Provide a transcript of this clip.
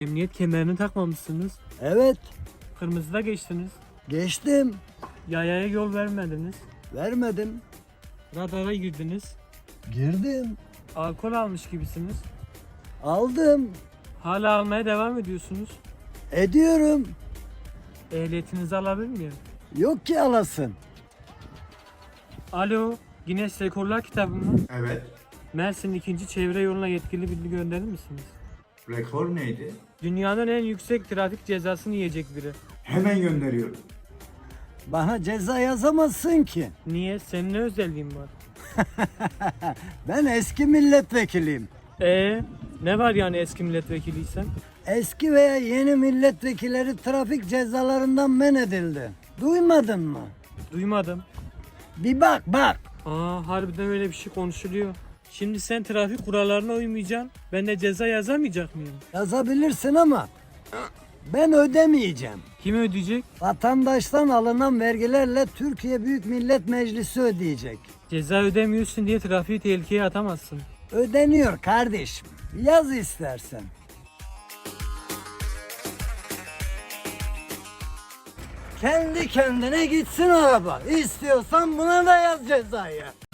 Emniyet kemerini takmamışsınız. Evet, Kırmızıda geçtiniz. geçtim. Yayaya yol vermediniz. Vermedim. Radara girdiniz. Girdim. Alkol almış gibisiniz. Aldım. Hala almaya devam ediyorsunuz. Ediyorum. Ehliyetinizi alabilir miyim? Yok ki alasın. Alo, Guinness Rekorlar kitabı mı? Evet. Mersin 2. Çevre yoluna yetkili bilgi gönderir misiniz? Rekor neydi? Dünyanın en yüksek trafik cezasını yiyecek biri. Hemen gönderiyorum. Bana ceza yazamazsın ki. Niye? Senin ne özelliğin var? Ben eski milletvekiliyim. Ne var yani eski milletvekiliysen? Eski veya yeni milletvekilleri trafik cezalarından men edildi. Duymadın mı? Duymadım. Bir bak bak. Harbiden öyle bir şey konuşuluyor. Şimdi sen trafik kurallarına uymayacaksın. Ben de ceza yazamayacak mıyım? Yazabilirsin ama ben ödemeyeceğim. Kim ödeyecek? Vatandaştan alınan vergilerle Türkiye Büyük Millet Meclisi ödeyecek. Ceza ödemiyorsun diye trafiği tehlikeye atamazsın. Ödeniyor kardeşim. Yaz istersen. Kendi kendine gitsin araba. İstiyorsan buna da yaz cezayı.